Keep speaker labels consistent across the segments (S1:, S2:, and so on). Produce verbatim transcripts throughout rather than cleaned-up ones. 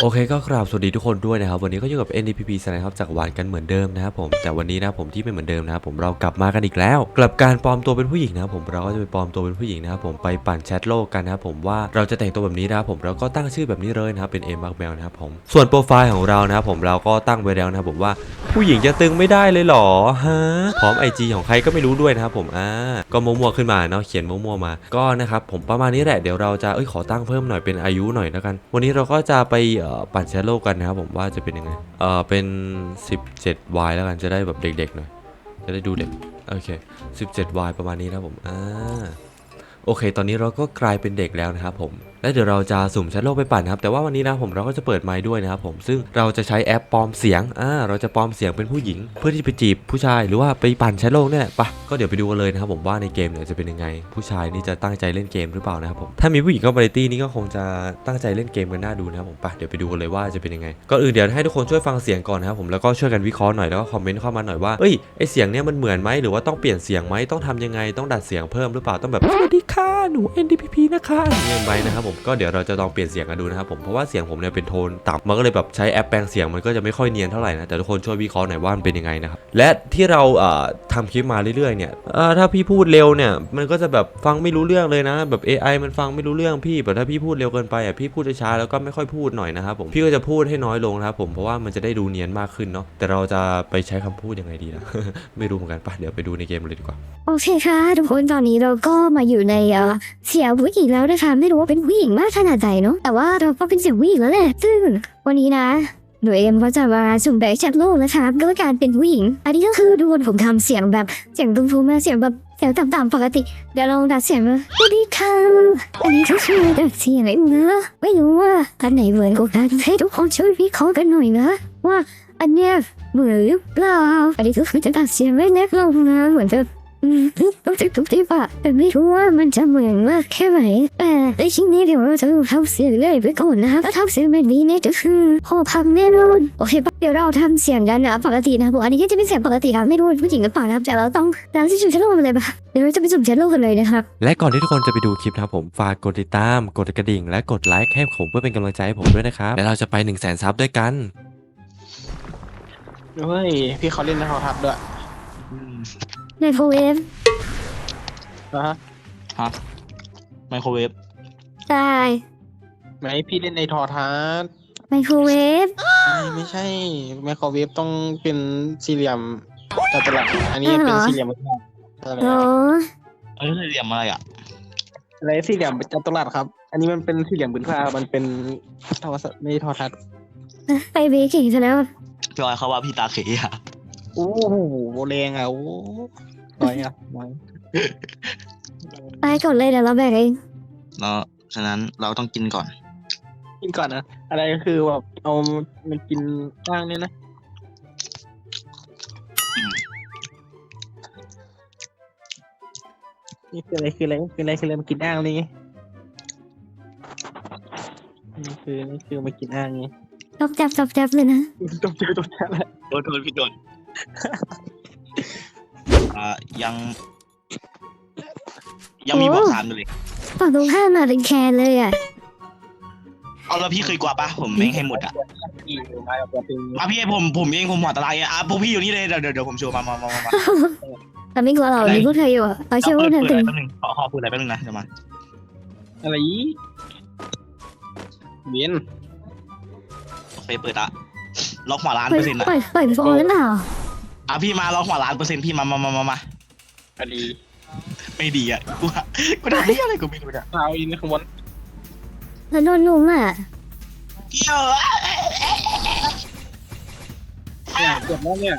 S1: โอเคก็กราบสวัสดีทุกคนด้วยนะครับวันนี้ก็อยู่กับ เอ็น ดี พี พี นะครับจากวานกันเหมือนเดิมนะครับผมแต่วันนี้นะผมที่ไม่เหมือนเดิมนะครับผมเรากลับมากันอีกแล้วกลับการปลอมตัวเป็นผู้หญิงนะครับผมเราก็จะไปปลอมตัวเป็นผู้หญิงนะครับผมไปปั่นแชทโลกกันนะครับผมว่าเราจะแต่งตัวแบบนี้นะครับผมเราก็ตั้งชื่อแบบนี้เลยนะครับเป็นเอ็มบักแมวนะครับผมส่วนโปรไฟล์ของเรานะครับผมเราก็ตั้งไว้แล้วนะครับผมว่าผู้หญิงจะตึงไม่ได้เลยหรอฮะพร้อม ไอ จี ของใครก็ไม่รู้ด้วยนะครับผมอ่าก็มั่วๆขึ้นมาเนาะเขียนมั่วๆมาก็นะครับผมประมาณนี้แหละเดี๋ยวเราจะเอ้ยขอตั้งเพิ่มหน่อยเป็นอายุหน่อยแล้วกันวันนี้เราก็จะไปเอ่อปั่นแชทโลกกันนะครับผมว่าจะเป็นยังไงเออเป็น สิบเจ็ด วาย แล้วกันจะได้แบบเด็กๆหน่อยจะได้ดูเด็กโอเค สิบเจ็ด วาย ประมาณนี้นะผมอ่าโอเคตอนนี้เราก็กลายเป็นเด็กแล้วนะครับผมและเดี๋ยวเราจะสุ่มแชทโลกไปปั่นครับแต่ว่าวันนี้นะผมเราก็จะเปิดไมค์ด้วยนะครับผมซึ่งเราจะใช้แอปปลอมเสียงอ่าเราจะปลอมเสียงเป็นผู้หญิงเพื่อที่จะไปจีบผู้ชายหรือว่าไปปั่นแชทโลกเนี่ยปะก็เดี๋ยวไปดูกันเลยนะครับผมว่าในเกมเนี่ยจะเป็นยังไงผู้ชายนี่จะตั้งใจเล่นเกมหรือเปล่านะครับผมถ้ามีผู้หญิงเข้ามาในตี้นี่ก็คงจะตั้งใจเล่นเกมกันน่าดูนะครับผมปะเดี๋ยวไปดูกันเลยว่าจะเป็นยังไงก่อนอื่นเดี๋ยวให้ทุกคนช่วยฟังเสียงก่อนนะครับผมแล้วก็ช่วยกันวิเคราะห์หน่อยแล้วก็คอมเมนต์เข้ามาหน่อยว่าเอ้ยไอเสียงเนี่ยมันเหมือนไหมหรือว่าต้องเปลี่ยนเสียงไหมต้องทำยังไงต้องดัดเสียงเพิ่มหรือเปล่าต้องแบบสวัสดีค่ะหนู เอ็น ดี พี พี นะคะอย่างเงี้ยไปนะครับผมก็เดี๋ยวเราจะลองเปลี่ยนเสียงกันดูนะครับผมเพราะว่าเสียงผมเนี่ยเป็นโทนต่ำมันก็เลยแบบใช้แอปแปลงเสียงมันก็จะไม่ค่อยเนียนเท่าไหร่นะแต่ทุกคนช่วยวิเคราะห์หน่อยว่ามันเป็นยังไงนะครับและที่เราเอ่อทำคลิปมาเรื่อยๆเนี่ยเอ่อถ้าพี่พูดเร็วเนี่ยมันก็จะแบบฟังไม่รู้เรื่องเลยนะแบบ เอ ไอ มันฟังไม่รู้เรื่องพี่แต่ถ้าพี่พูดเร็วเกินไปอ่ะพี่พูดช้าๆแล้วก็ไม่ค่อยพูดหน่อยนะครับผมพี่ก็จะพูดให้น้อยลงนะครับผมเพราะว่ามันจะได้ดูเนียนมากขึ้นเนาะแต่เราจะไปใช้คำพูดยังไงดีนะ ไม่รู้เหมือนกันปะเดี๋ยวไปดูในเกมเลยดีกว่า
S2: โอเคค่ะทุกคนตอนนี้เราก็มาอยู่ในเอ่อเสียงผู้หญิงแล้วนะคะไม่รู้ว่าเป็นผู้หญิงมากขนาดไหนเนาะแต่ว่าเราก็เป็นเสียงผู้หญิงแล้วแหละซึ่งวันนี้นะหนูเอ็มก็จะมาสุ่มแบบแชทโลกนะคะด้วยการเป็นผู้หญิงอันนี้ก็คือดูผมทำเสียงแบบเสียงตุ้มๆมาเสียงแบบเสียงต่ำๆปกติเดี๋ยวลองดัดเสียงมาสวัสดีค่ะอันนี้ก็คือดัดเสียงเองนะไม่รู้ว่าอันไหนเหมือนกันให้ทุกคนช่วยวิเคราะห์กันหน่อยนะว่าอันเนี้ยเหมือนหรือเปล่าอันนี้ก็คือจะดัดเสียงไว้เล็กลงนะเหมือนจะอืมรู้สึกทุกทีป่ะแต่ไม่รู้ว่ามันจะเหมือนมากแค่ไหนแต่ในชิ้นนี้เดี๋ยวเราจะทำเสียงเลยไปก่อนนะคะถ้าทำเสียงแบบนี้เนี่ยจะคือพอพังแน่นอนโอเคปะเดี๋ยวเราทำเสียงกันนะปกตินะผมอันนี้ก็จะเป็นเสียงปกตินะไม่รู้ผู้หญิงหรือเปล่านะครับแต่เราต้องเราที่สุ่มเชลโลกกันเลยปะเดี๋ยวเราจะไปสุ่มเชลโลกกันเลยนะครับ
S1: และก่อนที่ทุกคนจะไปดูคลิปนะครับผมฝากกดติดตามกดกระดิ่งและกดไลค์ให้ผมเพื่อเป็นกำลังใจให้ผมด้วยนะครับและเราจะไปหนึ่งแสนซับด้วยกัน
S3: เฮ้ยพี่เขาเล่นในโทรทัศน์ด้วย
S2: ในโฟเอฟ
S3: นะฮะ
S4: ฮะไมโครเวฟ
S2: ได้
S3: ไหมพี่เล่นในโทรทัศน์
S2: ไมโครเวฟ
S3: ไม่ไม่ใช่ไมโครเวฟต้องเป็นสี่เหลี่ยมจัตุรัสอันนี้เป็นสี่เหลี่ยมอะไร
S2: โอ้
S4: เอ้ยเหลี่ยมอะไรอ่ะ
S3: อะไรสี่เหลี่ยมจัตุรัสครับ อันนี้มันเป็นสี่เหลี่ยมผืนผ้ามันเป็นโทรศัพท์ไม่ใช่โทรทัศน์
S2: ไปเบรกอีกซะแล้ว
S4: พี่ออยเขาว่าพี่ตาเขยอ่ะ
S3: โอ้โหแรงอ่ะโอ้น้อยอ่ะน้อย
S2: ไปก่อนเลยเดี๋ยวเราแบกเอง
S4: เนาะฉะนั้นเราต้องกินก่อน
S3: กินก่อนนะอะไรก็คือแบบเอามันกินบ้างเนี่ยนะ
S4: อืม
S3: นี่คืออะไรคืออะไรคืออะไรคืออะไรมากินอ่างนี่ไงนี่คือนี่คือมากินอ่างไง
S2: จบจับจบจับเลยนะ
S3: ตบเจอตบแท้แหละ
S4: โดนโดนพี่โดน อ่ายัง ยังมีบอกสามอยู่เลย
S2: ฝั่งตรงข้ามมาเป็นแคนเลยอ่ะ
S4: เอาแล้วพี่เคยกว่าปะผมไม่ให้หมดอ่ะ
S3: อีมาแบบเป็น
S4: มาพี่ให้ผมผมเองผมหัวตะไลอ่ะอ่ะพวกพี่อยู่นี่เลยเดี๋ยวเดี๋ยวเดี๋ยวผมโชว์มามามามามา
S2: แต่ไม่กลัวเรามีพวกเธออยู่อ่ะเราเชื่อ
S4: เปิ
S2: ว่า
S4: ด
S2: เธอ
S4: เปิด
S2: ถึ
S4: อะไร
S2: ง
S4: แป๊บนึงขอขอพูดอะไรแป๊บนึงนะเดี๋ยวมา
S3: อะไรอีเวียน
S4: โอเคเปิดละล็อกหัวล้าน
S2: ปล่
S4: เป
S2: อ
S4: อย ร์เซ็นต์อ่ะ
S2: ปล่อยปล่อยฟองหรือเปล่า
S4: อ่ะพี่มาล็อกหัวล้านเปอร์เซ็นต์พี่มามามามามา
S3: อะดี
S4: ไม่ดีอ่ะกูว่ากูทำไม่อะไรกูไม่รู้เนี่ย
S3: เอาอินในขบวน
S2: แล้วโดนลุมอ่ะ
S4: เกี่ยว
S3: เนี่ยเกือบแล้วเนี่ย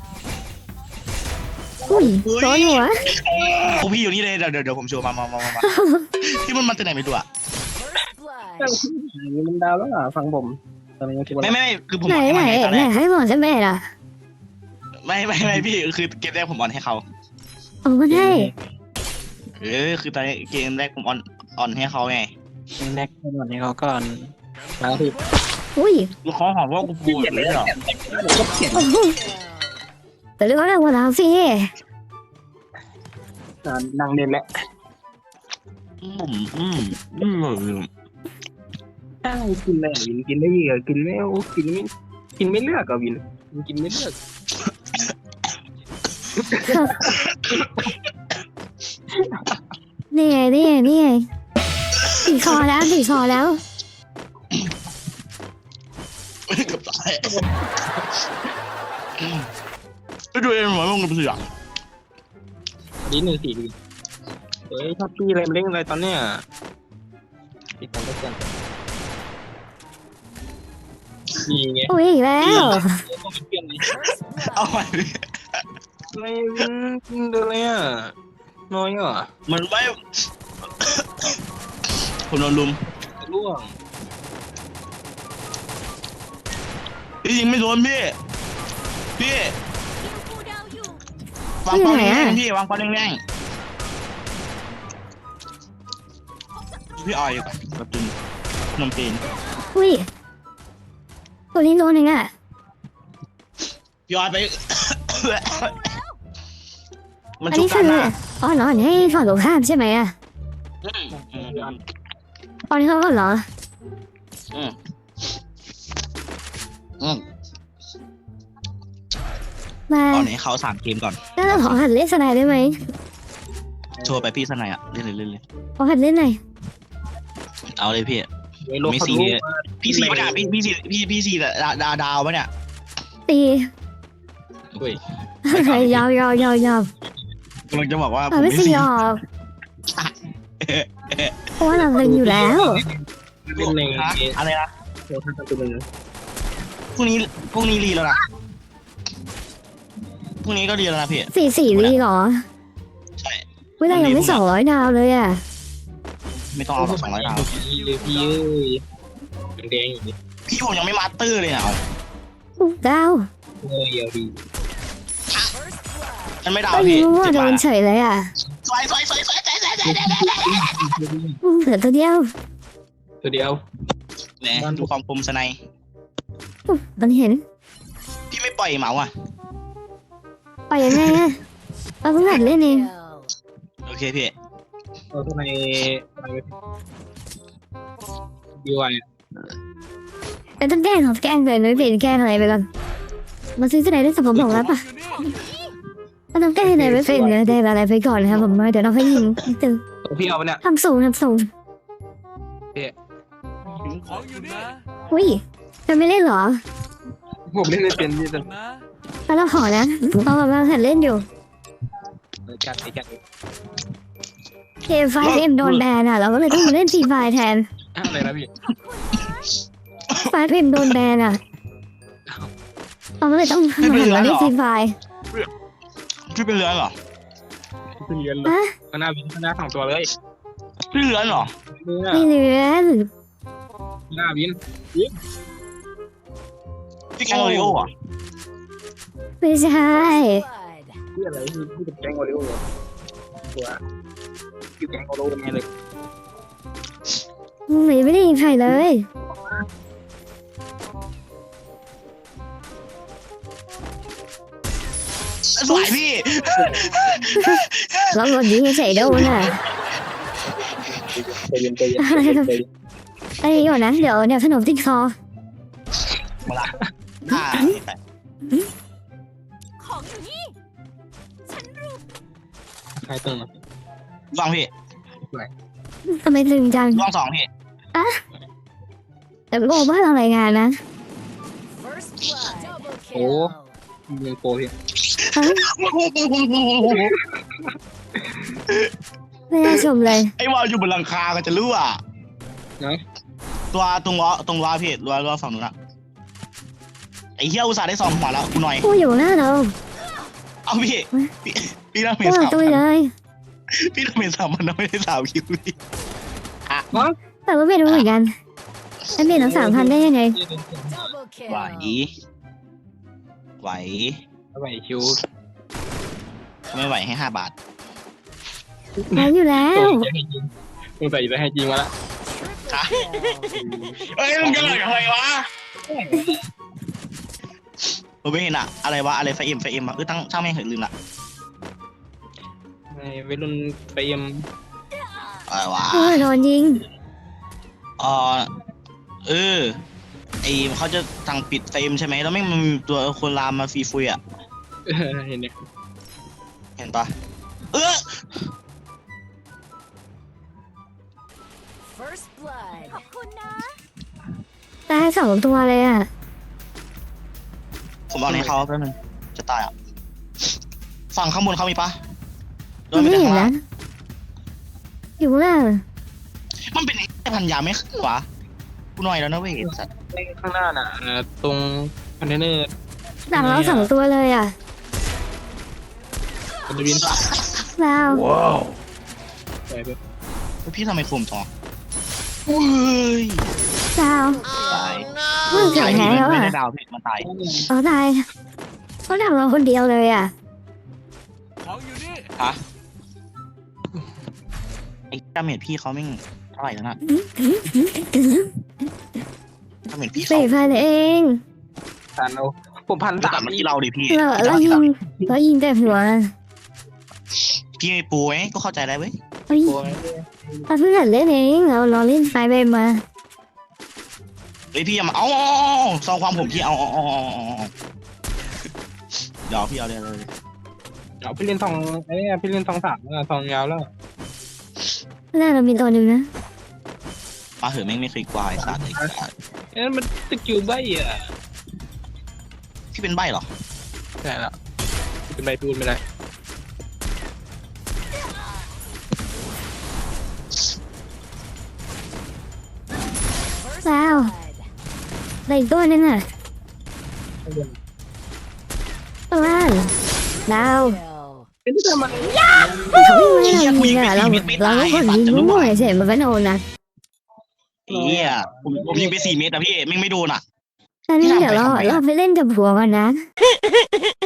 S2: อุ้ยโดนหัว
S4: พวกพี่อยู่นี่เลยเดี๋ยวเดี๋ยวเดี๋ยวผมโชว์มามามามามาที่มันมาจากไหนไม่รู้อ่ะ
S3: อย่างนี้มันดาวแล้วอ่ะฟังผมตอนนี้คิดว่า
S4: ไม่ไม่ไม่คือผม
S2: ไหน
S4: อ่อนให้
S2: ไหน
S4: มันไงตอน
S2: ไหน
S4: แรก
S2: ให้บอกฉันแม่ล่ะ
S4: ไม่ไม่ไม่พี่คือเกมแรกผมอ่อนให้เขา
S2: เอามาให้
S4: เออคือตอนเกมแรกผมอ่อนอ่อนให้เขาไง
S3: แรกก่อนให้เขาก่อนแล้วที่
S2: อุ้ย
S4: ลูกเขาหอมว่ากูปูแบบนี้เหรอ
S3: ก็เขียน
S2: โอ้โหแต่เรื่องอะไรวะเราสิ
S3: นางเด่นแหละ
S4: อืมอืมอืม
S3: ให้ช่กินแม่วินกินได้เยอะกินไม่เอากินไม่กินไม่เลือกอะวินมันกินไม่เลือก
S2: นี่ไงนี่ไงนี่ไงตีคอแล้วตีคอแล้ว
S4: เกับตายไปดูเองหมอลงกับเสือ
S3: ดีหนึ่งสี่ดีเฮ้ยชอบพี่อะไรมาเล่นอะไรตอนเนี้ยปิดกันได้กันนี่ไง
S2: โอ้ยอีกแล้ว
S3: ต้องเปลี่ยนเลย
S4: เอาใหม่ดิ
S3: ไม่เดินเลยอ่ะน้อยอ่ะ
S4: มันไม่ผมโดนลุม
S3: ร่วง
S4: พี่ยิงไม่โดนพี่พี่วางเป้าแรงๆพี่วางเป้าแรงๆพี่ออยอยู่กับกับจุนนมจีน
S2: อุ้ยตัวนี้โดนเองอ่ะ
S4: พี่ออยไป มัน
S2: อัน
S4: ชุบ
S2: นี้
S4: กั
S2: คื
S4: น
S2: อ
S4: นะ
S2: อ๋อเหรอให้ฝั่งตรงข้ามใช่ไหมอ่ะ
S4: อืมอืม
S2: ตอนนี้เขาก็เหรอ
S4: อืมอืม
S2: มา
S4: ตอนนี้เขาสามเกมก่อน
S2: แล้วเราขอหัดเล่นสไนด์ได้ไหม
S4: โชว์ไปพี่สนายอ่ะเล่นเลยเล่นเลย
S2: ขอหัดเล่นหน่อย
S4: เอาเลยพี่ ไม่ซีพี่ซีปะเนี่ยพี่พี่ซีพี่พี่ซีดาดาดาวปะเนี่ย
S2: ตี
S3: เฮ้ย
S2: ยาวยาวยาวยาว
S4: กำลังจะบอกว่าผ
S2: อ่ะ
S4: ม
S2: ไม่
S4: ไม่
S2: ซี
S4: ซี
S2: ออกเพราะว่าเราเล่นอยู่แล้ว
S3: เล่นใน
S4: ฮะอะไรนะ
S3: โคทันตัวนึง
S4: พรุ่งนี้พรุ่งนี้รีแล้วนะพรุ่งนี้ก็รีแล้วนะพี่
S2: สี่สี่ลีเหรอ
S4: ใช่
S2: เวลายังไม่สองร้อยดาวเลยอ่ะ
S4: ไม่ต้องเอาสองร้อยดาว
S3: พี่เลยพี่เอ้ยแดงอย่างนี้
S4: พี่ผมยังไม่มาสเตอร์เลยนะเอา
S2: อุ๊ยดาว
S3: เฮ้ยเอาดี
S4: มันไม่ดาว
S2: ก็ยิ
S4: พี่
S2: งมั่ว
S4: เจ็บ
S2: โด
S4: มาก
S2: นเฉยเลยอ่ะ
S4: สวยสวยสวยสวยสวยสวยสวย
S2: อืมเหลือตัวเดียว
S3: ตัวเดียว
S4: เนี่ยดูความคมสไน
S2: อุ๊ยมันเห็น
S4: พี่ไม่ปล่อยเหมาอ่ะ
S2: ไปยังไงอ่ะเราเพิ่งหัดเล่นเอง
S4: โอเคพี่
S3: เอาทำไมดีวาย
S2: แต่ต้องแกล้งของแกล้งเลยไม่เปลี่ยนแกล้งอะไรไปก่อนมาซื้อที่ไหนได้สมผมบอกแล้วปะมันต้องแกล้งอะไรไม่เป็นเลยได้อะไรไปก่อนนะครับผมเดี๋ยวเราค่อยยิงนิดนึง
S3: พี่เอาไปเนี่ย
S2: ทำสูงทำสูงอุ้ยจะไม่เล่นเหรอ
S3: ผมเล่นไม่เป็นพี่จะ
S2: แล้วเราขอนะเรากำลังหัดเล่นอยู่
S3: จัดไปจัด
S2: เกมไฟเอ็มโดนแบนอ่ะเราก็เลยต้องมาเล่นฟรีไฟแทน
S3: อะไรนะพี่
S2: ไฟเอ็มโดนแบนอ่ะเราก็เลยต้องมาหันมาเล่นฟรีไฟ
S4: พี่เป็นเรือนเหรอ
S3: ขึ้นเรียนเลย
S2: อะ
S3: ข้างหน้าวินข้างหน้าสองตัวเลย
S4: พี่เรือนเหรอ
S3: เนี่ย
S2: ไม่เลือน
S3: ข้างหน้าวิน
S4: พี่แกงโอริโออ่ะ
S2: ไม่ใช่
S3: พี่อะไรพี่พี่เป็นแกงโอริโอเหรอตัวอยู่แกงโอริโอไงเลย
S2: ไม่ไม่ได้ยิงใครเลย
S4: สวยพี่
S2: เราโดนยิงเฉยๆโดนอ่ะ
S3: ใจเย็นใจเย็นใจเย็นใจเย็น
S2: ไอ้ก่อนนะเดี๋ยวเดี๋ยวขนมติดคอ
S4: มาละอ่า
S5: ของอยู่นี่ ฉันรู้
S3: ใครตึง
S4: ลองพี่
S2: ทำไมตึงจัง
S4: ลองสองพี่
S2: แต่โง่บ้านเรารายงานนะ
S5: first blood double
S3: โอ้
S5: kill
S3: ยิงโปรพี่
S2: ไม่น่าชมเลย
S4: ไอ้วอลอยู่บนหลังคาก็จะรู้อ่ะ
S3: ไหน
S4: ตัวตรงล้อตรงล้อพี่ล้อล้อฝั่งนู้นอะไอ้เหี้ยอุตส่าห์ได้สองหัวแล้วกูหน่อย
S2: พูดอยู่หน้าเรา
S4: เอาพี่พี่พี่ต้อง
S2: พู
S4: เม
S2: ด
S4: นสาม
S2: ตัว
S4: พัน
S2: เลย
S4: พี่ต้องเมนสามพันไม่ได้สามคิวพี่
S2: แต่ว่าไม่รู้เหมือนกันฉันเปลี่ยนทั้งสามพันได้ยังไง
S5: double
S4: ไหว
S5: kill
S4: ไหว
S3: ไหวคิว
S4: ไม่ไหวให้ห้าบาท
S2: ไหวอยู่แล้ว
S3: จะให้จริงมึงใส่จะให้จริงมาละ
S4: เอ้ยมึงจะหล่อยอะไรวะผมไม่เห็นอะอะไรวะอะไรไฟเอ็มไฟเอ็มอะเออตั้งช่างแม่งเหอะลืมละ
S3: ในวัยรุ่นไปเอ็ม
S4: อะไรวะ
S2: โอ้ยโดนยิง
S4: เออเออไอเขาจะสั่งปิดเฟรมใช่ไหมแล้วไม่งมันมีตัวคนลามมาฟรีฟุยอ่ะ
S3: เออเห็นเนี่ย
S4: เห็นปะเออ
S5: First blood ขอบคุณนะ
S2: ตายสองตัวเลยอ่ะ
S4: ผมเอาในเขาแป๊บนึงจะตายอ่ะฝั่งข้างบนเขามีปะโด
S2: มัน
S4: นไป
S2: ไม่
S4: แต่
S2: เห็น
S4: ข้างล่า
S2: นะ
S4: ง
S2: อยู่ล่าง
S4: มันเป็นไอ้พันยาไม่ขึ้นวะกูหน่อยแล้วนะเว้ยไอ้สัตว์
S3: ข้างหน้าน่ะเอ่อตรงคอนเทนเนอร์
S2: หลังเราสองตัวเลยอ่ะ
S3: มันจะบิน
S2: ว้าว
S3: ไปไป
S4: พี่ทำไมคมทองอุ้ย
S2: ดาว
S4: ตาย
S2: เพิ่งถึง
S4: ตาย
S2: แล้
S4: พี่
S2: ว
S4: ไม่
S2: อ่ะ
S4: ได้ดาวพี่มันตาย
S2: เขาตายเขาดักเราคนเดียวเลยอ่ะ
S4: ฮะไอ้ดาเมจพี่เขาไม่งเท่าไหร่แล้วนะดาเมจพี่เขา
S2: สี่พันเอง
S3: พันเอาผมพัน
S4: กลั
S3: สา
S4: บ
S3: ม
S4: มาที่เราดิพี่
S2: เราเรายิงเรายิงแต่หัว
S4: พี่ไม่ปูไงก็เข้าใจได้เว้ย
S2: เรายิง
S3: โอ้ย
S2: เราเพิ่งหัดเล่นเองเราเราเล่นไฟไปมา
S4: เฮ้ยพี่อย่ามาเอาซองความผมพี่เอาเอาเอาเอาเอาเอาเดี๋ยวพี่เอาเลยเลย
S3: เดี๋ยวพี่เล่นทองไอ้เนี่ยพี่เล่นทองสามแล้วทองยาวแล้ว
S2: หน้าเรามีตัวหนึ่งนะ
S4: มาเหอะแม่งไม่เคยกวายสัตว์ไอ้สัตว์
S3: เอ้ยมันสกิลใบอ่ะ
S4: พี่เป็นใบเหรอ
S3: ใช่แล้วเป็นใบพูดไม่ได้
S2: ว้าวอะไรอีกตัวนึงอ่ะตัวล่างดาว
S5: Kill
S3: เอ้ยทำไม
S2: เขาไม่ให้เรายิงอ่ะเราเราก็คนยิงมั่วๆเฉยมันก็โดนนะ
S4: เอี้ยผมผมยิงไปสี่เมตรอะพี่แม่งไม่โดนอะ
S2: ตอนนี้เดี๋ยวเราเราไปเล่นกับผัวกันนะ